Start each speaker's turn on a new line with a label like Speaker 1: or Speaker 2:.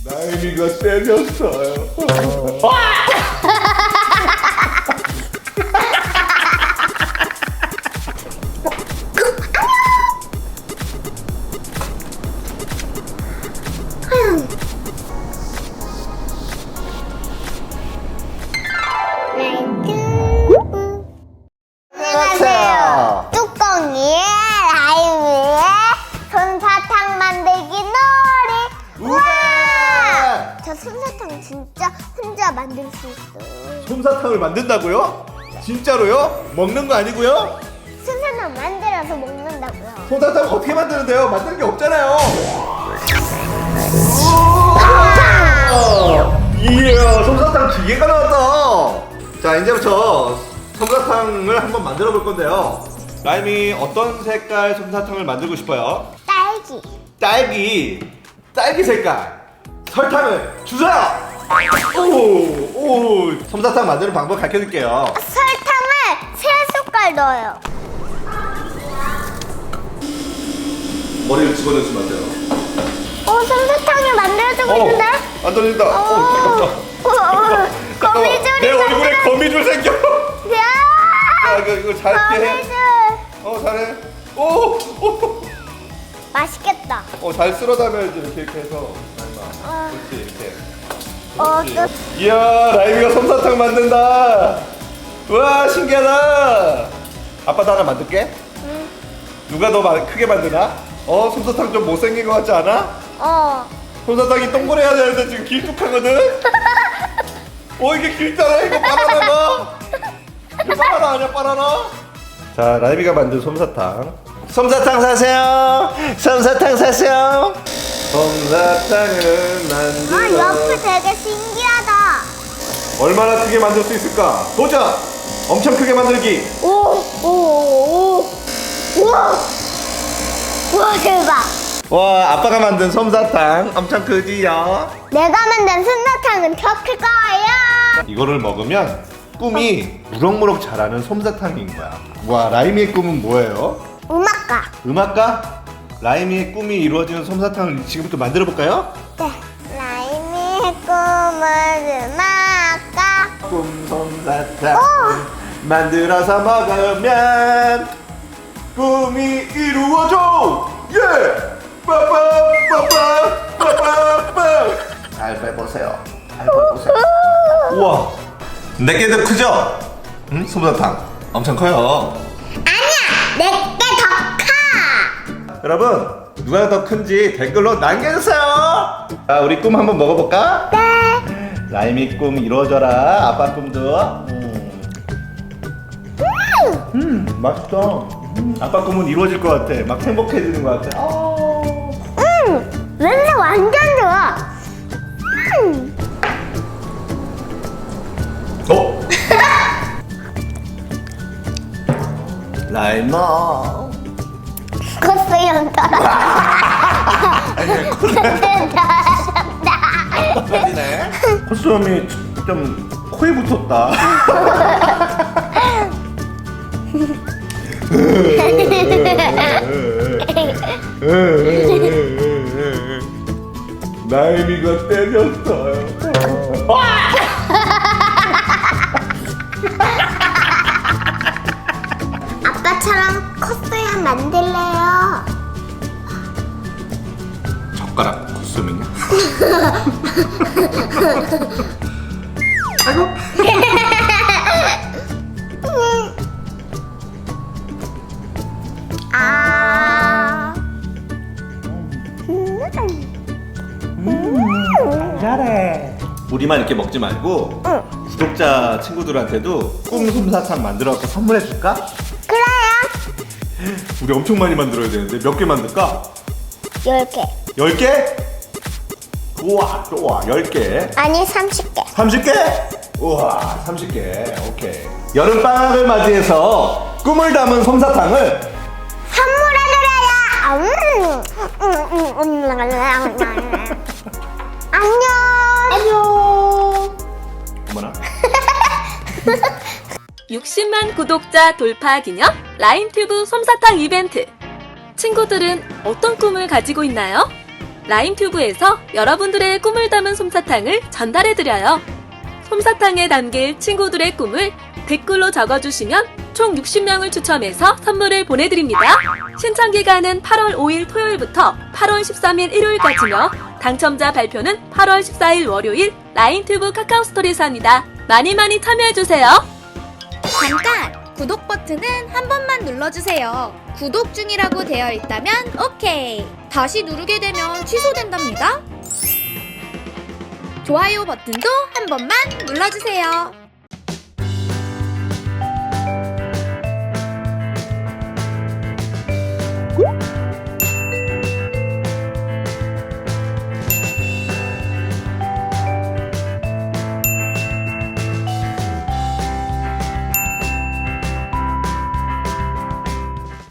Speaker 1: 나이미가 때렸어요.
Speaker 2: 안녕하세요. 뚜껑이의 라임이의 솜사탕 만들기 놀이. 우와! 저 솜사탕 진짜 혼자 만들 수 있어요.
Speaker 1: 솜사탕을 만든다고요? 진짜로요? 먹는 거 아니고요?
Speaker 2: 솜사탕 만들어서 먹는다고요.
Speaker 1: 솜사탕 어떻게 만드는데요? 만드는 게 없잖아요. 이야, 솜사탕 기계가 나왔다. 자, 이제부터 솜사탕을 한번 만들어 볼 건데요. 라임이 어떤 색깔 솜사탕을 만들고 싶어요?
Speaker 2: 딸기.
Speaker 1: 딸기 색깔. 설탕을 주세요. 오, 솜사탕 만드는 방법 가르쳐 줄게요.
Speaker 2: 설탕을 3숟갈 넣어요.
Speaker 1: 머리를 집어넣으시면 안 돼요.
Speaker 2: 솜사탕이 만들어지고 있는데?
Speaker 1: 안 떨린다. 잠깐만.
Speaker 2: 거미줄이
Speaker 1: 내 얼굴에 거미줄 생겨.
Speaker 2: 야!
Speaker 1: 이거 잘게 해.
Speaker 2: 거미줄.
Speaker 1: 잘해. 오.
Speaker 2: 맛있겠다.
Speaker 1: 잘 쓸어담아야지 이렇게 해서. 그렇지, 이렇게.
Speaker 2: 또
Speaker 1: 이야, 라임이가 솜사탕 만든다. 우와, 신기하다. 아빠도 하나 만들게.
Speaker 2: 응.
Speaker 1: 누가 더 크게 만드나? 솜사탕 좀 못생긴 것 같지 않아? 솜사탕이 동그래야 되는데 지금 길쭉하거든? 이게 길잖아. 이거 바나나가. 이거 바나나 아니야, 바나나? 자, 라임이가 만든 솜사탕. 솜사탕 사세요. 솜사탕 사세요. 솜사탕을 만들어.
Speaker 2: 옆에 되게 신기하다.
Speaker 1: 얼마나 크게 만들 수 있을까? 도전! 엄청 크게 만들기.
Speaker 2: 우와, 대박.
Speaker 1: 와, 아빠가 만든 솜사탕 엄청 크지요?
Speaker 2: 내가 만든 솜사탕은 더 클 거예요.
Speaker 1: 이거를 먹으면 꿈이 무럭무럭 자라는 솜사탕인 거야. 와, 라임이의 꿈은 뭐예요?
Speaker 2: 음악가.
Speaker 1: 음악가? 라임이의 꿈이 이루어지는 솜사탕을 지금부터 만들어 볼까요?
Speaker 2: 네. 라임이의 꿈은 음악가.
Speaker 1: 꿈 솜사탕 만들어서 먹으면 꿈이 이루어져. 예! 빠빠빠빠빠빠빠. 잘 빼보세요. 잘 빼보세요. 우와, 내게도 크죠? 응? 솜사탕 엄청 커요.
Speaker 2: 아니야, 내게 더 커.
Speaker 1: 여러분, 누가 더 큰지 댓글로 남겨주세요. 자, 우리 꿈 한번 먹어볼까?
Speaker 2: 네.
Speaker 1: 라임이 꿈 이루어져라. 아빠 꿈도. 맛있다. 아빠 꿈은 이루어질 것 같아. 막 행복해지는 것 같아.
Speaker 2: 냄새 완전 좋아.
Speaker 1: 라임아.
Speaker 2: 컸어, 연달아.
Speaker 1: 아니네. 콧수염이 좀 코에 붙었다. 라임이가 때렸어요.
Speaker 2: 아빠처럼 컸어야 만들래요.
Speaker 1: 젓가락 콧수염이냐? 아이고. 잘해. 우리만 이렇게 먹지 말고 구독자 친구들한테도 꿈 솜사탕 만들어서 선물해 줄까?
Speaker 2: 그래요.
Speaker 1: 우리 엄청 많이 만들어야 되는데 몇 개 만들까?
Speaker 2: 10개.
Speaker 1: 10개? 우와, 좋아. 10개.
Speaker 2: 아니, 30개.
Speaker 1: 30개? 우와, 30개. 오케이. 여름방학을 맞이해서 꿈을 담은 솜사탕을
Speaker 2: 선물해드려요. 안녕.
Speaker 1: 안녕. 어머나.
Speaker 3: 60만 구독자 돌파 기념 라임튜브 솜사탕 이벤트. 친구들은 어떤 꿈을 가지고 있나요? 라임튜브에서 여러분들의 꿈을 담은 솜사탕을 전달해드려요. 솜사탕에 담길 친구들의 꿈을 댓글로 적어주시면 총 60명을 추첨해서 선물을 보내드립니다. 신청 기간은 8월 5일 토요일부터 8월 13일 일요일까지며 당첨자 발표는 8월 14일 월요일 라임튜브 카카오스토리에서 합니다. 많이 참여해주세요.
Speaker 4: 잠깐! 구독 버튼은 한 번만 눌러주세요. 구독 중이라고 되어 있다면 오케이. 다시 누르게 되면 취소된답니다. 좋아요 버튼도 한 번만 눌러주세요.